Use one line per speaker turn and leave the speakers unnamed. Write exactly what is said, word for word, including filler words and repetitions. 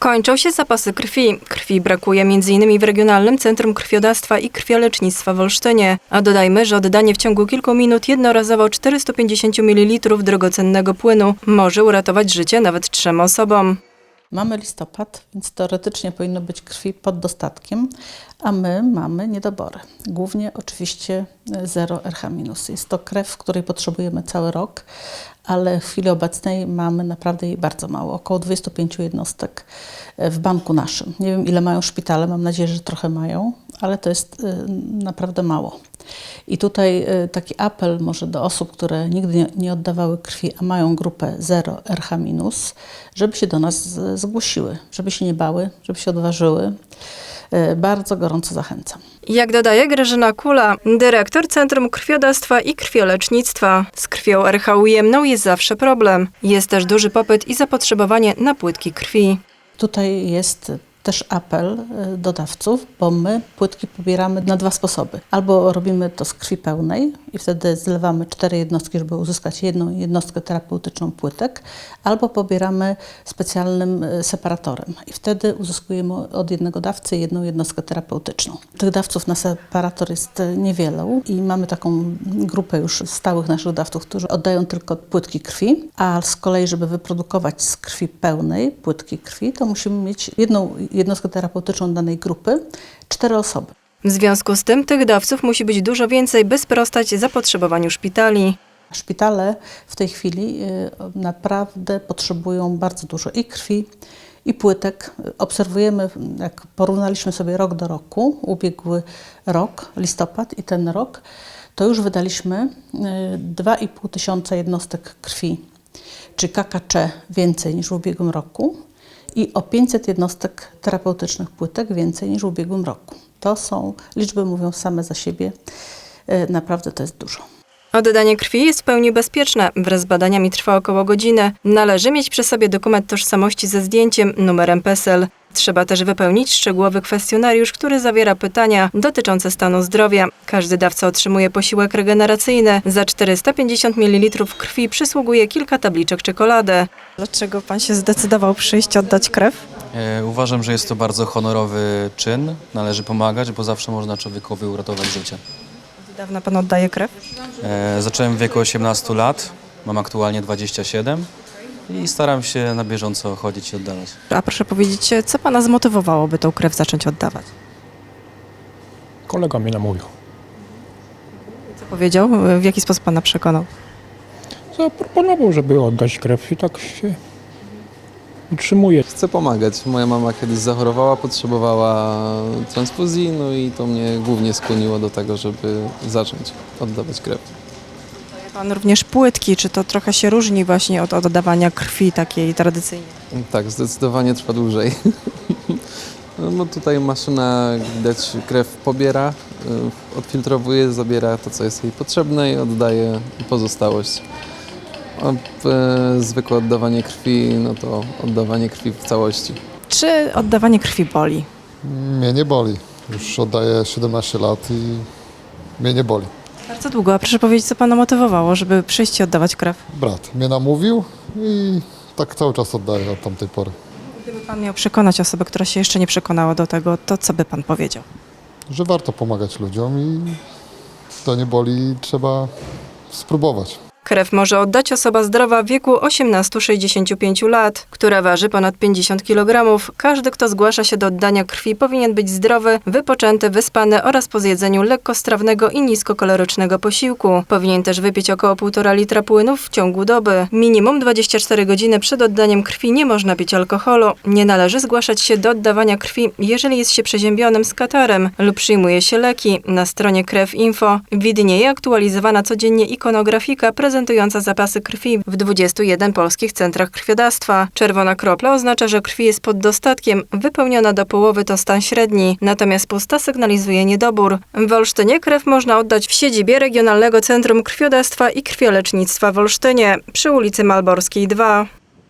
Kończą się zapasy krwi. Krwi brakuje między innymi w Regionalnym Centrum Krwiodawstwa i Krwiolecznictwa w Olsztynie. A dodajmy, że oddanie w ciągu kilku minut jednorazowo czterystu pięćdziesięciu mililitrów drogocennego płynu może uratować życie nawet trzem osobom.
Mamy listopad, więc teoretycznie powinno być krwi pod dostatkiem, a my mamy niedobory. Głównie oczywiście zero R H minus. Jest to krew, której potrzebujemy cały rok, ale w chwili obecnej mamy naprawdę jej bardzo mało. Około dwudziestu pięciu jednostek w banku naszym. Nie wiem, ile mają szpitale, mam nadzieję, że trochę mają, ale to jest naprawdę mało. I tutaj taki apel może do osób, które nigdy nie oddawały krwi, a mają grupę zero R H minus, żeby się do nas zgłosiły, żeby się nie bały, żeby się odważyły. Bardzo gorąco zachęcam.
Jak dodaje Grażyna Kula, dyrektor Centrum Krwiodawstwa i Krwiolecznictwa, z krwią R H ujemną jest zawsze problem. Jest też duży popyt i zapotrzebowanie na płytki krwi.
Tutaj jest też apel do dawców, bo my płytki pobieramy na dwa sposoby. Albo robimy to z krwi pełnej i wtedy zlewamy cztery jednostki, żeby uzyskać jedną jednostkę terapeutyczną płytek, albo pobieramy specjalnym separatorem i wtedy uzyskujemy od jednego dawcy jedną jednostkę terapeutyczną. Tych dawców na separator jest niewielu i mamy taką grupę już stałych naszych dawców, którzy oddają tylko płytki krwi, a z kolei, żeby wyprodukować z krwi pełnej płytki krwi, to musimy mieć jedną jednostkę terapeutyczną danej grupy, cztery osoby.
W związku z tym tych dawców musi być dużo więcej, by sprostać zapotrzebowaniu szpitali.
Szpitale w tej chwili naprawdę potrzebują bardzo dużo i krwi, i płytek. Obserwujemy, jak porównaliśmy sobie rok do roku, ubiegły rok, listopad i ten rok, to już wydaliśmy dwa i pół tysiąca jednostek krwi, czy K K C więcej niż w ubiegłym roku. I o pięćset jednostek terapeutycznych płytek więcej niż w ubiegłym roku. To są, liczby mówią same za siebie, naprawdę to jest dużo.
Oddanie krwi jest w pełni bezpieczne. Wraz z badaniami trwa około godziny. Należy mieć przy sobie dokument tożsamości ze zdjęciem, numerem PESEL. Trzeba też wypełnić szczegółowy kwestionariusz, który zawiera pytania dotyczące stanu zdrowia. Każdy dawca otrzymuje posiłek regeneracyjny. Za czterysta pięćdziesiąt mililitrów krwi przysługuje kilka tabliczek czekolady. Dlaczego pan się zdecydował przyjść oddać krew?
E, uważam, że jest to bardzo honorowy czyn. Należy pomagać, bo zawsze można człowiekowi uratować życie.
Od dawna pan oddaje krew?
E, zacząłem w wieku osiemnastu lat, mam aktualnie dwadzieścia siedem i staram się na bieżąco chodzić i oddawać.
A proszę powiedzieć, co pana zmotywowało, by tą krew zacząć oddawać?
Kolega mnie namówił.
Co powiedział? W jaki sposób pana przekonał?
Zaproponował, żeby oddać krew i tak się utrzymuje.
Chcę pomagać. Moja mama kiedyś zachorowała, potrzebowała transfuzji, no i to mnie głównie skłoniło do tego, żeby zacząć oddawać krew.
Pan również płytki, czy to trochę się różni właśnie od oddawania krwi takiej tradycyjnej?
Tak, zdecydowanie trwa dłużej. No bo tutaj maszyna, widać, krew pobiera, odfiltrowuje, zabiera to, co jest jej potrzebne i oddaje pozostałość. A e, zwykłe oddawanie krwi, no to oddawanie krwi w całości.
Czy oddawanie krwi boli?
Mnie nie boli. Już oddaję siedemnaście lat i mnie nie boli.
Bardzo długo, a proszę powiedzieć, co pana motywowało, żeby przyjść i oddawać krew?
Brat mnie namówił i tak cały czas oddaję od tamtej pory.
Gdyby pan miał przekonać osobę, która się jeszcze nie przekonała do tego, to co by pan powiedział?
Że warto pomagać ludziom i to nie boli, trzeba spróbować.
Krew może oddać osoba zdrowa w wieku osiemnastu do sześćdziesięciu pięciu lat, która waży ponad pięćdziesiąt kilogramów. Każdy, kto zgłasza się do oddania krwi, powinien być zdrowy, wypoczęty, wyspany oraz po zjedzeniu lekkostrawnego i niskokalorycznego posiłku. Powinien też wypić około półtora litra płynów w ciągu doby. Minimum dwadzieścia cztery godziny przed oddaniem krwi nie można pić alkoholu. Nie należy zgłaszać się do oddawania krwi, jeżeli jest się przeziębionym z katarem lub przyjmuje się leki. Na stronie krew kropka info widnieje aktualizowana codziennie ikonografika prezentująca zapasy krwi w dwudziestu jeden polskich centrach krwiodawstwa. Czerwona kropla oznacza, że krwi jest pod dostatkiem, wypełniona do połowy to stan średni, natomiast pusta sygnalizuje niedobór. W Olsztynie krew można oddać w siedzibie Regionalnego Centrum Krwiodawstwa i Krwiolecznictwa w Olsztynie przy ulicy Malborskiej dwa.